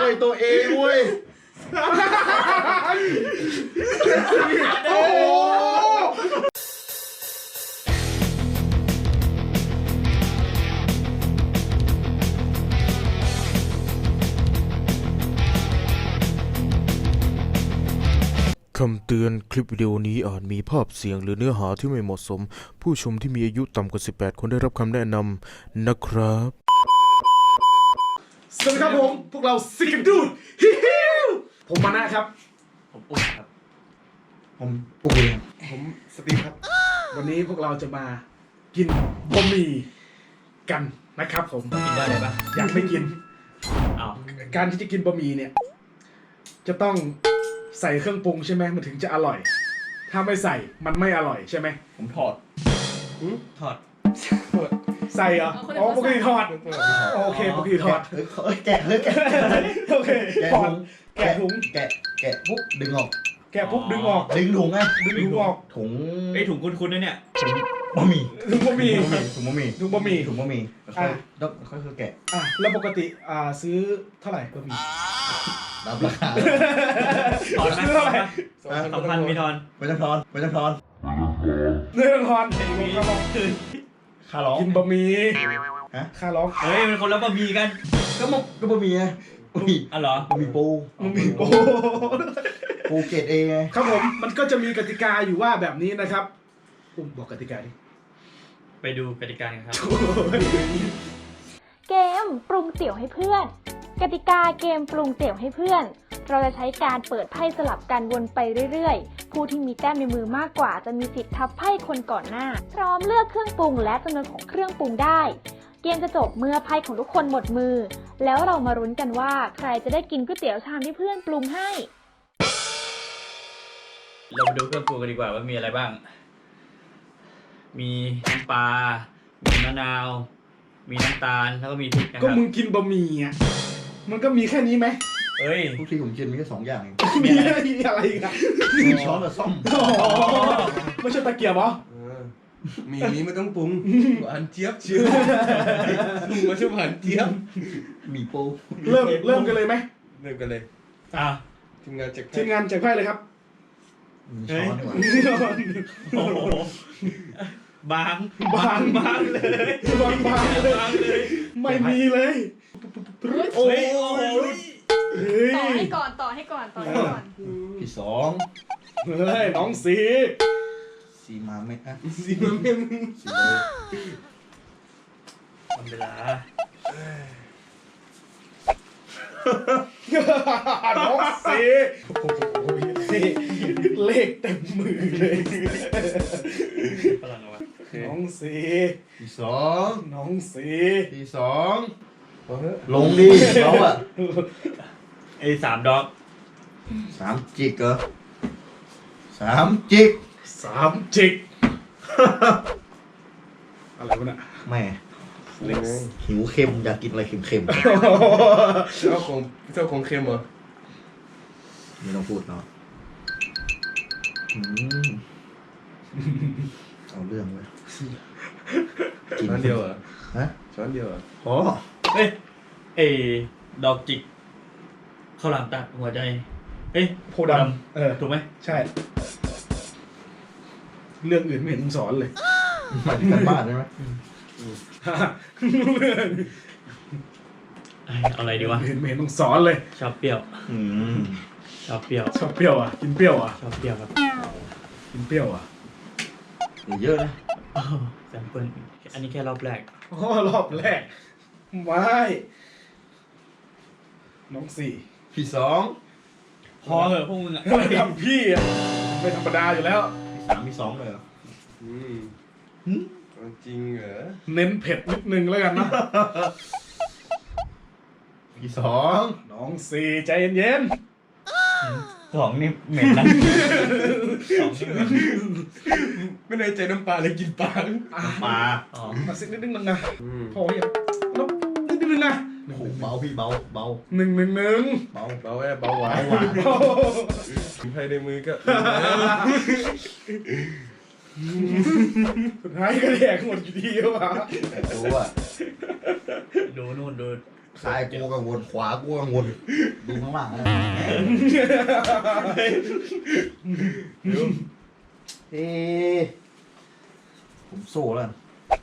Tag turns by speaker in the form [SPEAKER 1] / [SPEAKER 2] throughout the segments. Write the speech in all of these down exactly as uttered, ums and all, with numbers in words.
[SPEAKER 1] ช่วยตัวเองเว้ยโอ้โห
[SPEAKER 2] คำเตือนคลิปวิดีโอนี้อาจมีภาพเสียงหรือเนื้อหาที่ไม่เหมาะสมผู้ชมที่มีอายุต่ำกว่าสิบแปดคนได้รับคำแนะนำนะครับ
[SPEAKER 1] สวัสดีครับผมพวกเราซิกดูดฮิฮิวผมมานะครับ
[SPEAKER 3] ผมอุ้ยครับ
[SPEAKER 1] ผมปูนผมสตีฟครับวันนี้พวกเราจะมากินบะหมี่กันนะครับผม
[SPEAKER 3] กินได้เลยปะ
[SPEAKER 1] อยากไม่กิน
[SPEAKER 3] อ้าว
[SPEAKER 1] การที่จะกินบะหมี่เนี่ยจะต้องใส่เครื่องปรุงใช่ไหมมันถึงจะอร่อยถ้าไม่ใส่มันไม่อร่อยใช่ไหม
[SPEAKER 3] ผมถอดถอด
[SPEAKER 1] ใส่เหรออ๋อปกติทอดโอเคปกติทอด
[SPEAKER 4] เฮ้ยแกะเฮ้ยแกะ
[SPEAKER 1] โอเค
[SPEAKER 4] แกะ
[SPEAKER 1] ทอ
[SPEAKER 4] ถุ
[SPEAKER 1] ด
[SPEAKER 4] ง
[SPEAKER 1] แกะถุง
[SPEAKER 4] แกะแกะปุ๊บดึงออก
[SPEAKER 1] แกะปุ๊บดึงออก
[SPEAKER 4] ดึงถุงไง
[SPEAKER 1] ดึงถุงออก
[SPEAKER 4] ถุง
[SPEAKER 3] ไอ้ถุงคุ้นๆนะเนี่ย
[SPEAKER 4] ถุงบะหมี่
[SPEAKER 1] ถุงบะหมี่
[SPEAKER 4] ถุงบะหมี่
[SPEAKER 1] ถุงบะหมี่
[SPEAKER 4] ถุงบะหมี่แล้วค่อยแล้วค่อยๆแกะ
[SPEAKER 1] อ่ะแล้วปกติอ่าซื้อเท่าไหร่บะหมี่
[SPEAKER 4] รับราคา
[SPEAKER 3] ถอนไหม
[SPEAKER 1] ซื้อ
[SPEAKER 3] ถอ
[SPEAKER 1] เท่าน ไห
[SPEAKER 3] ไห
[SPEAKER 1] ร่
[SPEAKER 3] มสองพันมีทอน
[SPEAKER 4] ไม่ต้องทอนไม่ต้องทอน
[SPEAKER 1] เรื่องทอน
[SPEAKER 3] มี
[SPEAKER 4] ค่าร้อง
[SPEAKER 1] กินบะหมี่
[SPEAKER 4] ฮะ
[SPEAKER 1] ค่าร้อง
[SPEAKER 3] เฮ้ยมันคนละบะหมี่กัน
[SPEAKER 4] ก็มก็บะหมี่ไงบะหมี่
[SPEAKER 3] อ๋อเหรอบ
[SPEAKER 4] ะหมี่ปู
[SPEAKER 1] บะหมี่โอ้
[SPEAKER 4] ปูเกรดเอไง
[SPEAKER 1] ครับผมมันก็จะมีกติกาอยู่ว่าแบบนี้นะครับอุ้มบอกกติกาดิ
[SPEAKER 3] ไปดูกติกากันครับ
[SPEAKER 5] เกมปรุงเตี๋ยวให้เพื่อนกติกาเกมปรุงเตี๋ยวให้เพื่อนเราจะใช้การเปิดไพ่สลับกันวนไปเรื่อยๆผู้ที่มีแต้มในมือมากกว่าจะมีสิทธิ์ทับไพ่คนก่อนหน้าพร้อมเลือกเครื่องปรุงและจำนวนของเครื่องปรุงได้เกมจะจบเมื่อไพ่ของทุกคนหมดมือแล้วเรามารุ้นกันว่าใครจะได้กินก๋วยเตี๋ยวชามที่เพื่อนปรุงให้
[SPEAKER 3] เรามาดูเครื่องปรุงกันดีกว่าว่ามีอะไรบ้าง มีน้ำปลา มีมะนาว มีน้ำตาลแล้วก็มีพริกนะค
[SPEAKER 1] ก็
[SPEAKER 3] รับ
[SPEAKER 1] มึงกินบะหมี่อ่ะมันก็มีแค่นี้ไหม
[SPEAKER 3] เฮ้ย
[SPEAKER 4] ทุกทีผมกินมีแค่สองอย่างเอง
[SPEAKER 1] มีอะไรอีกอ่ะ
[SPEAKER 4] มีช้อนกับซ่อม
[SPEAKER 1] อ๋อไม่ใช่ตะเกียบเหรอ
[SPEAKER 6] มีนี้ไม่ต้องปรุงหวานเจี๊ยบเชียวลุงมาชอบหวานเจี๊ยบ
[SPEAKER 4] หมี่ปู
[SPEAKER 1] เริ่มเริ่มกันเลยไหม
[SPEAKER 6] เริ่มกันเลย
[SPEAKER 3] อ่ะ
[SPEAKER 6] ทีมงานจาก
[SPEAKER 1] ทีมงานแจกไพ่เลยครับ
[SPEAKER 4] มีช้อนดีกว่า
[SPEAKER 3] โอ้โหบาง
[SPEAKER 1] บาง
[SPEAKER 3] บางเลย
[SPEAKER 1] บางบางเลย
[SPEAKER 3] บางเลย
[SPEAKER 1] ไม่มีเลย
[SPEAKER 3] โอ้ยโอ้โห
[SPEAKER 1] เฮ้ย
[SPEAKER 7] ต่อให้ก่อนต่อให้ก่อนต่อให้ก่อน
[SPEAKER 4] ที่สอง
[SPEAKER 1] เฮ้ยน้องสี
[SPEAKER 4] สีมาไหมอ่ะ
[SPEAKER 6] สีมันเป็น
[SPEAKER 4] สีเลย
[SPEAKER 3] ทำเวลา
[SPEAKER 1] น้องสีโอ้ยเลขเต็มมือเลย
[SPEAKER 3] พลังเอาไว้
[SPEAKER 1] น้องสี
[SPEAKER 4] ที่สอง
[SPEAKER 1] น้องสี
[SPEAKER 4] ที่สองลงดิเขาอะ
[SPEAKER 3] ไอ้สามดอก
[SPEAKER 4] สามจิกเหรอสามจิก
[SPEAKER 1] สามจิกอะไรวะเนี่ย
[SPEAKER 4] แม่หิวเค็มอยากกินอะไรเค็ม
[SPEAKER 6] เจ้าของเจ้าของเค็มเหรอ
[SPEAKER 4] ๆไม่ต้องพูดเนาะอืมเอาเรื่องเลย
[SPEAKER 6] ช้อนเดียวเหรอ
[SPEAKER 4] ฮะ
[SPEAKER 6] ช้อนเดียวเหรอ
[SPEAKER 4] พอ
[SPEAKER 3] เอ้ยไอ้ดอกจิกข้าวหลามตัดหัวใจเอ้ย
[SPEAKER 1] โพดำเออ
[SPEAKER 3] ถูกไหม
[SPEAKER 1] ใช่ เรื่องอื่นไม่เห็นมึงสอนเลย
[SPEAKER 4] หมายถึงการบ้านใช่ไหม
[SPEAKER 1] เรื่อง
[SPEAKER 3] เอ้ยเอาอะไรดีวะ
[SPEAKER 1] เห็นไม่เห็นต้องสอนเลย
[SPEAKER 3] ชอบเปรี้ยว
[SPEAKER 4] อืม
[SPEAKER 3] ชอบเปรี้ยว
[SPEAKER 1] ชอบเปรี้ยวอ่ะกินเปรี้ยวอ่ะ
[SPEAKER 3] ชอบเปรี้ยวครับ
[SPEAKER 1] กินเปรี้ยวอ่ะ
[SPEAKER 4] อย่าเยอะนะ
[SPEAKER 3] อ้าวแซมเปิลอันนี้แค่รอบแรก
[SPEAKER 1] โอ้รอบแรกไม่น้องสี่
[SPEAKER 4] ที่สอง
[SPEAKER 3] พอเหอะพวกมึงอ่ะ
[SPEAKER 1] ทำพี่อ่ะไม่ธรรมดาอยู่แล้ว
[SPEAKER 4] ที่สามที่สองเลยเหรอ
[SPEAKER 6] อืม
[SPEAKER 4] หึ
[SPEAKER 6] จริงเหรอ
[SPEAKER 1] เน้นเผ็ดนิดนึงแล้วกันนะ
[SPEAKER 4] ที่สอง
[SPEAKER 1] น้องสี่ใจเย็น
[SPEAKER 3] สองนี่เหม็นนะสองนี่เหม็น
[SPEAKER 6] ไม่ได้ใจน้ำปลาเลยกินปลา
[SPEAKER 1] ๆอ่ะ
[SPEAKER 4] ปลา
[SPEAKER 3] อ๋อ
[SPEAKER 1] มาสินิดนึงนะ
[SPEAKER 6] อืม
[SPEAKER 1] พอยังน้องนิดนึงนะ
[SPEAKER 4] โอ้โหเบาพี่เบาเบา
[SPEAKER 1] หนึ่งหนึ่งหนึ่ง
[SPEAKER 4] เบา
[SPEAKER 6] เบาแอบเบาหวาน
[SPEAKER 4] เบาหวาน
[SPEAKER 1] โอ้โห
[SPEAKER 6] ภายในมือก็
[SPEAKER 1] สุดท้ายก็แดกหมดอยู่ดีวะ
[SPEAKER 4] แต่ตัวอะ
[SPEAKER 3] ดูนู่นดู
[SPEAKER 4] ซ้ายกูกังวลขวากูกังวลดูข้างหลังนะเอ๊ะผมโซ่แล้ว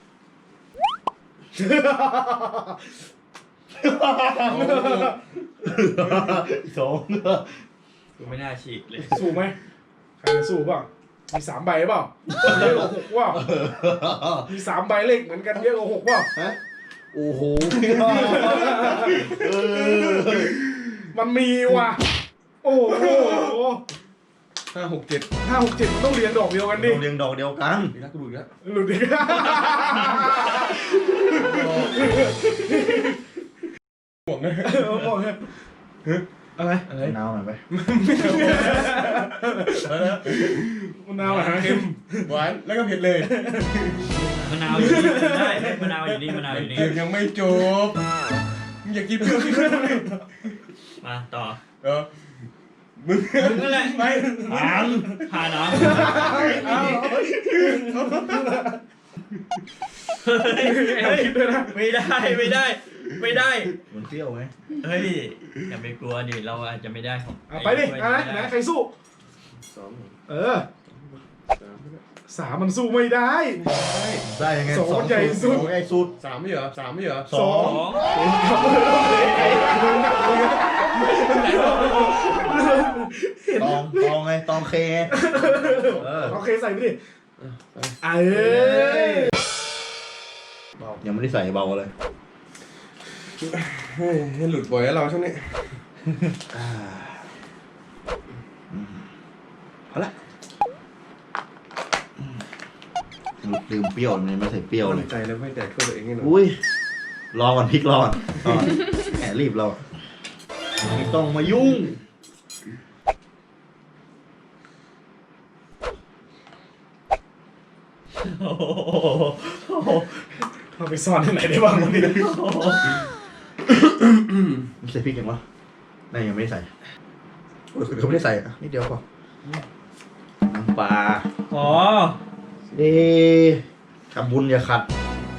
[SPEAKER 4] สอง
[SPEAKER 3] กูไม่น่าฉีกเลย
[SPEAKER 1] สู้ไหมใครจะสู้เปล่ามีสามใบเปล่าเยอะกว่าหกเปล่ามีสามใบเลขเหมือนกันเยอะกว่าหกเปล่า
[SPEAKER 4] ฮะโอ้โห
[SPEAKER 1] มันมีว่ะโอ้โห
[SPEAKER 6] ห้าหกเจ็ด
[SPEAKER 1] ห้าหกเจ็ดมันต้องเรียงดอกเดียวกันดิ
[SPEAKER 4] เราเรียงดอกเดียวกัน
[SPEAKER 6] มีนักกระดูกแล้ว
[SPEAKER 1] หลุดอีกห่วงเลยห่วงเลยอะไรอะไร
[SPEAKER 4] นาวหน่อยไป
[SPEAKER 1] มะนาวเหรอฮะ
[SPEAKER 6] เค็มหวานแล้วก็เผ็ดเลย
[SPEAKER 3] มะนาวอยู่นี่ได้มะนาวอยู่นี่มะนาวอยู่นี่
[SPEAKER 6] เกมยังไม่จบมึงอยากกินเปรี้ยวกินเปรี้ยวดิ
[SPEAKER 3] มาต่อ
[SPEAKER 6] เออมึง
[SPEAKER 3] มึงนั่นแหละ
[SPEAKER 6] ไป
[SPEAKER 3] ผ่านผ่านเนาะเฮ้ยคิดด้วยนะไม่ได้ไม่ได้ ไม่ได้
[SPEAKER 4] มันเปรี้ยวไหม
[SPEAKER 3] เฮ้ยอย่าไปกลัวดิเราอาจจะไม่ได้ของ
[SPEAKER 1] เอาไปดิอะไรไหนใครสู้
[SPEAKER 6] สอง
[SPEAKER 1] เออ
[SPEAKER 6] สาม
[SPEAKER 1] สามมันสู้ไม่ได้
[SPEAKER 4] ได้ยังไง
[SPEAKER 1] สองใหญ่สุด
[SPEAKER 4] สองใหญ่สุด
[SPEAKER 6] สามไม่เหรอสามไม่เหรอ
[SPEAKER 4] สอง ตองตองไงตองเคไงเออ
[SPEAKER 1] โอเคใส่ไปดิเอ้ย
[SPEAKER 4] ยังไม่ได้ใส่เบาเลย
[SPEAKER 6] เฮ้ยให้หลุดบ่อยแล้วเราช่วงนี้
[SPEAKER 4] อ่าอืมเอาละอืมลืมเปรี้ยวเลยไม่ใส่เปรี้ยวเลย
[SPEAKER 6] ใจแล้วไม่แตกตัวเองนี่หนู
[SPEAKER 4] อุ้ยรอก่อนพริกรอก่อนรอก่อนแหมรีบเราไม่ต้องมายุ่ง
[SPEAKER 3] โอ้โห
[SPEAKER 1] เอาไปซ่อนที่ไหนได้บ้างวะเนี่ย
[SPEAKER 4] ไม่ใส่พริกยังวะนั่นยังไม่ได้ใส่โอ้ยเขาไม่ได้ใส่อ่ะนิดเดียวพอน้ำปลา
[SPEAKER 3] อ๋อ
[SPEAKER 4] เอ๊ะทำบุญอย่าขัด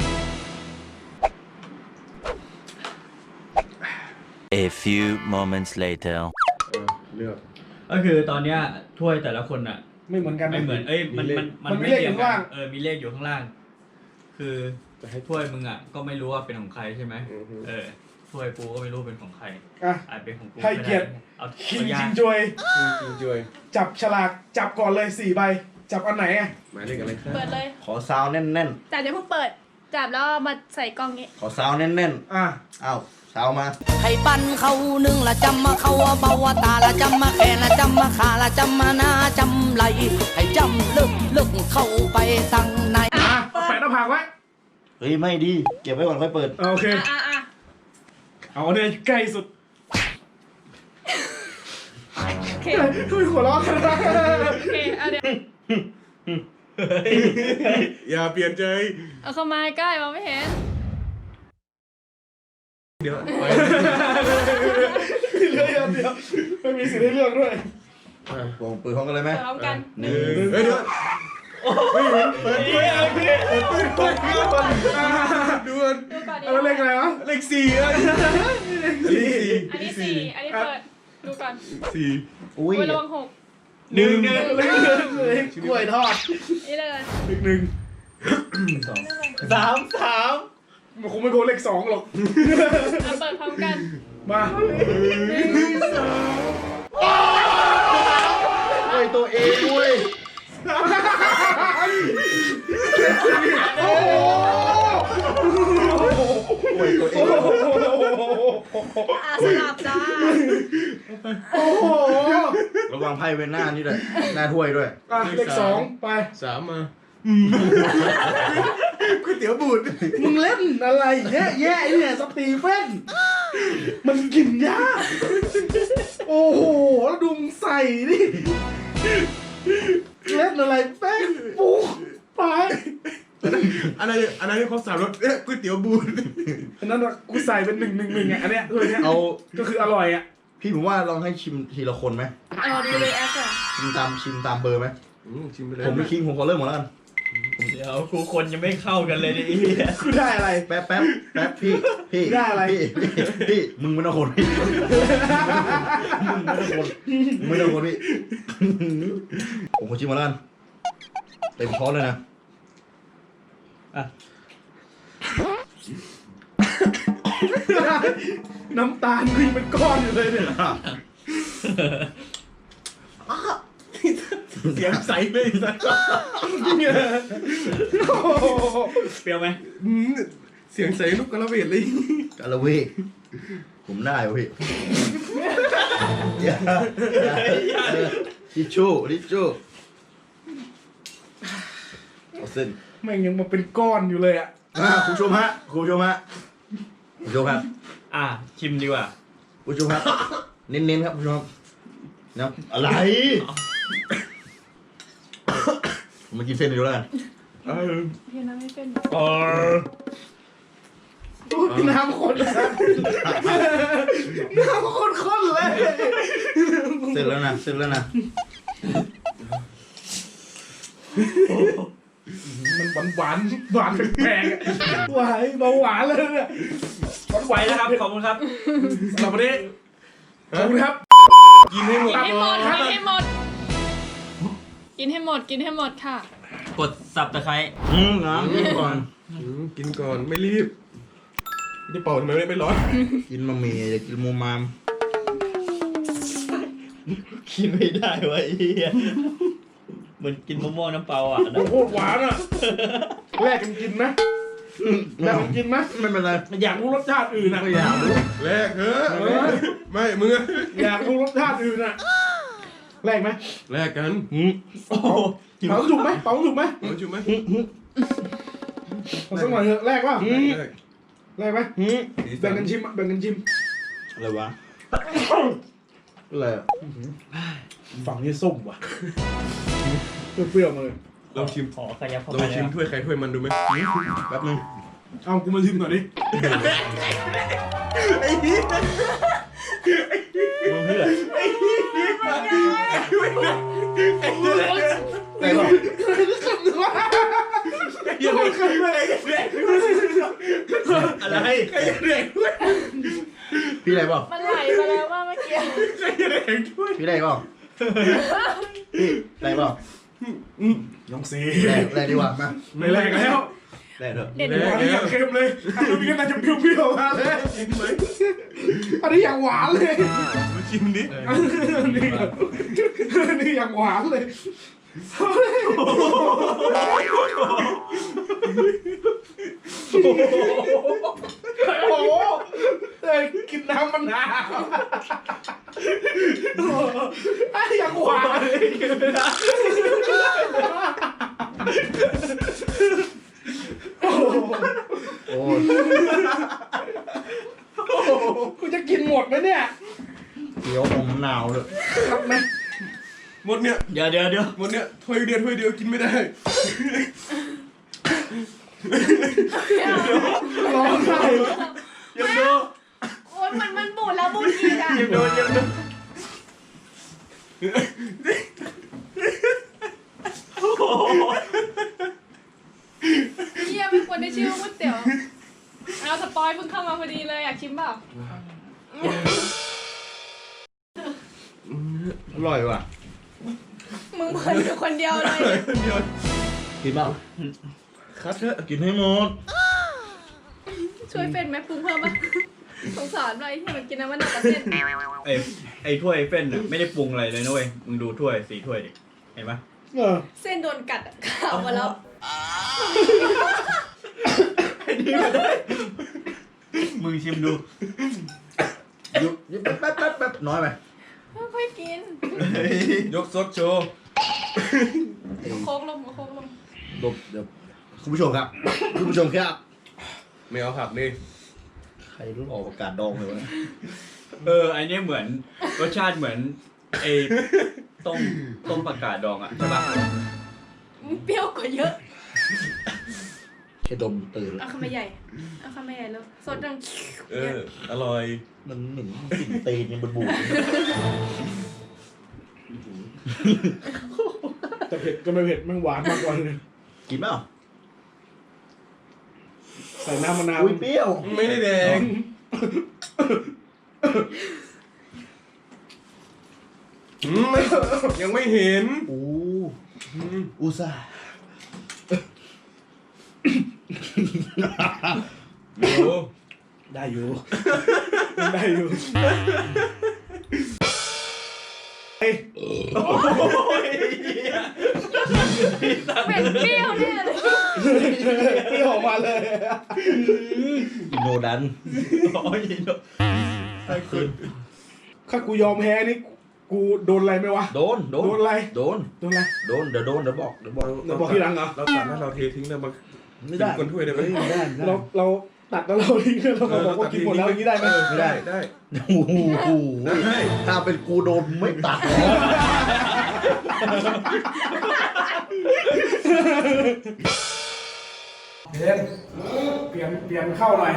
[SPEAKER 8] A few moments later.
[SPEAKER 6] เออเลือก
[SPEAKER 3] ก็คือตอนเนี้ยถ้วยแต่ละคนอ่ะ
[SPEAKER 1] ไม่เหมือนกัน
[SPEAKER 3] ไม่เหมือนเอ้ยมันมัน
[SPEAKER 1] มันมีเลขอยู่ข้างล่าง
[SPEAKER 3] เออมีเลขอยู่ข้างล่าง คือ
[SPEAKER 6] จะให้
[SPEAKER 3] ถ้วยมึงอ่ะก็ไม่รู้ว่าเป็นของใครใช่ไหม
[SPEAKER 6] อือฮึ
[SPEAKER 3] เออถ้วยกูก็ไม่รู้เป็นของใคร
[SPEAKER 1] อ่ะ
[SPEAKER 3] อาจเป็นของกู
[SPEAKER 1] ให้เกียรติ
[SPEAKER 3] เอา
[SPEAKER 1] คิง
[SPEAKER 3] ตัวอย่า
[SPEAKER 1] ชิ
[SPEAKER 3] ง
[SPEAKER 1] งจวย
[SPEAKER 6] จริงจวย
[SPEAKER 1] จับฉลากจับก่อนเลยสี่ใบ จับอันไหนอ่ะ
[SPEAKER 6] หมายเลขอะไรครับ
[SPEAKER 7] เปิดเลย
[SPEAKER 4] ขอซาวแน่น
[SPEAKER 7] จับเดี๋ยวเพิ่งเปิด จับแล้วเอามาใส่กล่องนี้
[SPEAKER 4] ๆ ขอซาวแน่น
[SPEAKER 1] อ่ะ
[SPEAKER 4] ๆอ้าวซาวมา
[SPEAKER 9] ให้ปั้นเขาหนึ่งละจำมาเขาว่าเบาว่าตาละจำมาแค่ละจำมาขาละจำมาหน้าจำไหลให้จำลึกลึกเข้าไปตั้งใน
[SPEAKER 1] อ่ะเอาแปะหน้าผากไว้
[SPEAKER 4] เฮ้ยไม่ดี เก็บไว้ก่อนค่อยเปิด
[SPEAKER 1] โอเค
[SPEAKER 7] อ่ะอ่ะ
[SPEAKER 1] เอาเนี่ยใกล้สุด
[SPEAKER 7] โอเค
[SPEAKER 1] คุยหัวเราะกันนะ
[SPEAKER 7] โอเคเอาเดี๋ยว
[SPEAKER 6] อย่าเปลี่ยนใจ
[SPEAKER 7] เอาเข้ามาใกล้มองไม่เห็น
[SPEAKER 6] เดี๋ยวไป
[SPEAKER 1] เรื่องเดียวไม่มีสิทธิ์ให้เลือกด้วย
[SPEAKER 4] วงปืนพร้อมกันเลยไหม
[SPEAKER 7] พร้อมกัน
[SPEAKER 4] หนึ่ง
[SPEAKER 6] เฮ้ยเดี๋ยว
[SPEAKER 1] เฮ้ยเปิดด้วยอะไรเนี่ยเปิดด้วยเปิดด้วย
[SPEAKER 6] ด่วน
[SPEAKER 7] ดูก่อนดิ
[SPEAKER 1] เอาเลขอะไรวะ
[SPEAKER 6] เลขสี่อะเลขสี่
[SPEAKER 7] อันนี้สี่อันนี้เปิด ดูก่อน
[SPEAKER 6] สี่
[SPEAKER 4] อุ้ย
[SPEAKER 7] อุ้ยระวังหก
[SPEAKER 1] หนึ่งหนึ่งเลขหนึ่งเลขกล้วยทอด
[SPEAKER 7] นี่เลย
[SPEAKER 1] เลขหนึ่ง
[SPEAKER 3] สามสาม
[SPEAKER 1] มันคงไม่โกนเลขสองหรอก
[SPEAKER 7] เอาเปิดพร้อมกัน
[SPEAKER 1] มา
[SPEAKER 4] เฮ้ยตัวเองด้วย
[SPEAKER 1] โอ้โห
[SPEAKER 4] โอ้ยตัวเอง
[SPEAKER 7] อ่ะสลับจ้า
[SPEAKER 1] โอ้โห
[SPEAKER 4] ระวังไพ่เวนหน้านี่ด้วยหน้าถ้วยด้วย
[SPEAKER 1] อ่ะเลขสองไป
[SPEAKER 6] สามมา
[SPEAKER 1] ก๋วยเตี๋ยวบูดมึงเล่นอะไรแย่แย่เนี่ยสตีเฟนมันกินยากโอ้โหแล้วดูมึงใส่ดิเล่นอะไรแป้งปุ๊กไป
[SPEAKER 6] อันนั้นอันนั้นที่เขาสามรสเอ๊ะก๋วยเตี๋ยวบูน
[SPEAKER 1] อันนั้นอะกูใส่เป็นหนึ่งหนึ่งหนึ่งอ่ะอันเนี้ยตัวเนี้ย
[SPEAKER 4] เอา
[SPEAKER 1] ก็คืออร่อยอ่ะ
[SPEAKER 4] พี่ผมว่าลองให้ชิมทีละคนไหม
[SPEAKER 7] เอาดูเลยแอสอ่ะ
[SPEAKER 4] ชิมตามชิมตามเบอร์ไหม
[SPEAKER 6] อืมชิมไปเลย
[SPEAKER 4] ผมไม่คิงผมขอเริ่มหมดแล้วกัน
[SPEAKER 3] เดี๋ยวกูคนยังไม่เข้ากันเลยดิไอ้เหี้ย
[SPEAKER 1] กูได้อะไร
[SPEAKER 4] แป๊บแป๊บแป๊บพี่พี่
[SPEAKER 1] ได้อะไร
[SPEAKER 4] พี่พี่พี่มึงไม่ต้องคนพี่มึงไม่ต้องคนมึงไม่ต้องคนพี่ผมขอชิมมาแล้วกันเต็มช้อนเลยนะ
[SPEAKER 3] อ่ะ
[SPEAKER 1] น้ำตาลกูยังเป็นก้อนอยู่เลยเนี่ย
[SPEAKER 3] เสียงใสเลยสัสเปรี้ยวไหม
[SPEAKER 6] อืมเสียงใส่ลูกกระเวดเลย
[SPEAKER 4] กาละเวกผมได้เว้ยอย่าอย่าเออทิชชู่ทิชชู่เอาเส้น
[SPEAKER 1] แม่งยังมาเป็นก้อนอยู่เลยอ่ะ
[SPEAKER 4] อ่ะคุณผู้ชมฮะคุณผู้ชมฮะคุณผู้ชมครับ
[SPEAKER 3] อ่ะชิมดีกว่า
[SPEAKER 4] คุณผู้ชมครับเน้นๆครับคุณผู้ชมนะอะไรผมมากินเส้นเดียวแล้วกัน
[SPEAKER 6] เออ
[SPEAKER 7] เพียงนั้นไม่เป็น
[SPEAKER 3] เออ
[SPEAKER 1] น้ำข้นเลยน้ำข้นๆเลย
[SPEAKER 4] เสร็จแล้วนะเสร็จแล้วนะ
[SPEAKER 1] มันหวานหวานหวานแปลกๆอะหวานเบาหวานเลยเนี่ย
[SPEAKER 3] ไหวแล้วครับขอบคุณครับ
[SPEAKER 1] สำหรับวันนี้ขอบคุณครับ
[SPEAKER 6] กินให้หมด
[SPEAKER 7] กินให้หมดกินให้หมด กินให้หมด กินให้หมดค่ะ
[SPEAKER 3] กดสับตะไคร้
[SPEAKER 4] อืมน้ำกินก่อน
[SPEAKER 6] อืมกินก่อนไม่รีบนี่เป่าทำไมไม่ร้อน
[SPEAKER 4] กินบะหมี่อย่ากินมูมาม
[SPEAKER 3] กินไม่ได้วะไอ้เหี้ยเหมือนกินมะม่วงน้ำเปล่าอ่ะนะ
[SPEAKER 1] โอ้โหหวานอ่ะแลกกันกินไหมแลกกันกินไหม
[SPEAKER 4] ไม่เป็นไร
[SPEAKER 1] อยากรู้รสชาติอื่นอ่ะ
[SPEAKER 4] ไม่อยากรู้
[SPEAKER 6] แลกเถอะไม่มึงอะ
[SPEAKER 1] อยากรู้รสชาติอื่นอ่ะแลกไหม
[SPEAKER 6] แลกกัน
[SPEAKER 4] อืม
[SPEAKER 3] โอ้โห
[SPEAKER 1] เป๋าถูกไหมเป๋าถูกไหม
[SPEAKER 6] เอาจุ๊บไหม
[SPEAKER 1] ขอสักหน่อยเถอะแลกว่า
[SPEAKER 6] แลก
[SPEAKER 1] แลกไหม
[SPEAKER 4] อืม
[SPEAKER 6] สีสั
[SPEAKER 1] แบ่งกันชิมอะแบ่งกันชิม
[SPEAKER 4] อะไรวะอะไรอะ
[SPEAKER 1] ฝั่งนี้ส้มว่ะเปรี้ยวๆมาเลย
[SPEAKER 6] ลองชิม
[SPEAKER 3] ขอขยับเข้า
[SPEAKER 6] ล
[SPEAKER 3] ไป
[SPEAKER 6] องชิม
[SPEAKER 3] นะ
[SPEAKER 6] ถ้วยใครถ้วยมันดูไหม
[SPEAKER 4] แป๊บนึง
[SPEAKER 1] เอากูมาชิมหน่อยดิ
[SPEAKER 3] มึงเพื่อ
[SPEAKER 4] ไอ้หรอ
[SPEAKER 1] ยังไม่เคยเลย
[SPEAKER 3] อะไร
[SPEAKER 4] พี่อะไรเปล่า
[SPEAKER 7] มันไหลมาแล้วว่าเมื่อกี้
[SPEAKER 4] พี่อะไรเปล่าพี่อะไรเปล่า
[SPEAKER 1] น้องซี
[SPEAKER 4] แรกแรกดีกว่ามา
[SPEAKER 1] ไม่แลกแล้ว
[SPEAKER 4] แรกเถอะ
[SPEAKER 7] เด็ด
[SPEAKER 1] อันนี้อยากเค็มเลยอันนี้ก็น่าจะเปรี้ยวๆมาเลยอันนี้อยากหวานเลย
[SPEAKER 6] มาชิมดิ
[SPEAKER 1] อันนี้อันนี้อยากหวานเลยโอ้โหเอ้ยกินน้ำมะนาวไอ้อยากหวานเลยโอ้โห
[SPEAKER 4] โอ้ย
[SPEAKER 1] โอ้โหกูจะกินหมดไหมเนี่ย
[SPEAKER 4] เกี๊ยวอมมะนาวเลย
[SPEAKER 1] ครับไหม
[SPEAKER 6] หมดเนี่ย
[SPEAKER 3] เดี๋ยวเดี๋ยวเดี๋ยว
[SPEAKER 6] หมดเนี่ยถ้วยเดียวถ้วยเดียวกินไม่ได้
[SPEAKER 1] ร้องไห้
[SPEAKER 3] ยังดู
[SPEAKER 7] โอ้ยมันมันบูดแล้วบูดอีกอ่ะ
[SPEAKER 3] ยังดูยังดู
[SPEAKER 7] เยี่ยไม่ควรได้ชื่อว่าก๋วยเตี๋ยวเอาสปอยเพิ่งเข้ามาพอดีเลยอยากชิมเปล่า
[SPEAKER 4] อร่อยว่ะ
[SPEAKER 7] มึงเพิ่นอยู่คนเดียวเลย
[SPEAKER 6] เดียว
[SPEAKER 4] กินเปล่า
[SPEAKER 6] คัดเถอะ
[SPEAKER 4] กินให้หมด
[SPEAKER 7] ช่วยเฟนไหมปรุงเพิ่มป่ะสงสารหน่อยที่มันกินน้ำมันหนักกว่าเส้น
[SPEAKER 3] ไอ้ไอ้ถ้วยเฟ้นน่ะไม่ได้ปรุงอะไรเลยนะเว้ยมึงดูถ้วยสีถ้วยดิเห็นปะ
[SPEAKER 1] เออ
[SPEAKER 7] เส้นโดนกัดอะขาวมาแล้ว
[SPEAKER 3] ไอ้นี่ไม่ได้มึงชิมดู
[SPEAKER 4] อยู่อยู่แป๊บแป๊บแป๊บแป๊บน้อยไป
[SPEAKER 7] ค่อยๆกิน
[SPEAKER 6] ยกซดโชว์
[SPEAKER 7] เอาโค้กลงเอาโค้กลง
[SPEAKER 4] ดบเดี๋ยวคุณผู้ชมครับ คุณผู้ชมครับ
[SPEAKER 6] ไม่เอาผักนี่
[SPEAKER 4] ใครรู้ออกประกาศดองเลยวะ
[SPEAKER 3] เอออันนี้เหมือนรสชาติเหมือนไอ้ต้มต้มผักกาดดองอ่ะใช่ปะ
[SPEAKER 7] มันเปรี้ยวกว่าเยอะ
[SPEAKER 4] แค่ดมตื่นแล้ว
[SPEAKER 7] เอาคำใหญ่เอาคำใหญ่แล้วสดดัง
[SPEAKER 6] เอออร่อย
[SPEAKER 4] มันเหม็นกลิ่นตีนยังบูด
[SPEAKER 1] แต่เผ็ดก็ไม่เผ็ดมันหวานมากกว่าเลย
[SPEAKER 4] กินเปล่า
[SPEAKER 1] ใส่น้ำมะนาว
[SPEAKER 4] อุ้ยเปรี้ยว
[SPEAKER 6] ไม่ได้แดงอืมไม่ยังไม่เห็น
[SPEAKER 4] อู้
[SPEAKER 6] อืม
[SPEAKER 4] อุตส่าห์
[SPEAKER 6] โอ้
[SPEAKER 1] ได้อยู่ ได้อยู่เฮ้ย
[SPEAKER 7] เป็นเปรี้ยวแน่เลย
[SPEAKER 1] เปรี้ยวออกมาเลย
[SPEAKER 4] อินโนดัน
[SPEAKER 3] โอ้ยโดน
[SPEAKER 1] ถ้ากูยอมแพ้นี่กูโดนอะไรไหมวะ
[SPEAKER 4] โดน โดน
[SPEAKER 1] โดนอะไร
[SPEAKER 4] โดน
[SPEAKER 1] โดนอะไร
[SPEAKER 4] โดน เดี๋ยวโดน เดี๋ยวบอก เดี๋ยวบอก
[SPEAKER 1] เดี๋ยวบอกทีหลังเหรอ
[SPEAKER 6] เราตัดแล้วเราเททิ้งเลยมา
[SPEAKER 4] ไม่ได้
[SPEAKER 6] กินคนถ้วยได้ไหม
[SPEAKER 4] ไม่ได้ไม่ได้
[SPEAKER 1] เราเราตัดแล้วเราทิ้งแล้วเราก็บอกว่ากินหมดแล้วอย่างนี้ได้ไหม
[SPEAKER 4] ไม่ได้
[SPEAKER 6] ได้
[SPEAKER 4] โอ้โห
[SPEAKER 6] ได้
[SPEAKER 4] ถ้าเป็นกูโดนไม่ตัด
[SPEAKER 1] เล่นเปลี่ยนเปลี่ยนเข้าหน่อย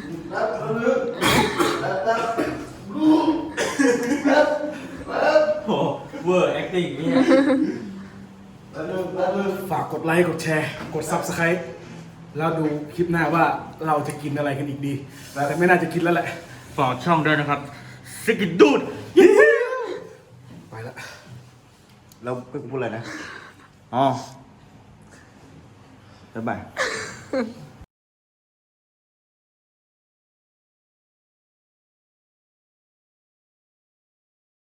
[SPEAKER 3] โอ้เวอร์แอคติ้งนี่
[SPEAKER 1] ฝากกดไลค์กดแชร์กด ซับสไครบ์ แล้วดูคลิปหน้าว่าเราจะกินอะไรกันอีกดี แต่ไม่น่าจะกินแล้วแหละ
[SPEAKER 3] ฝากช่องด้วยนะครับสกิดดูด
[SPEAKER 1] ไปละ
[SPEAKER 4] แล้วกูพูดอะไรนะ อ๋อบ๊ายบาย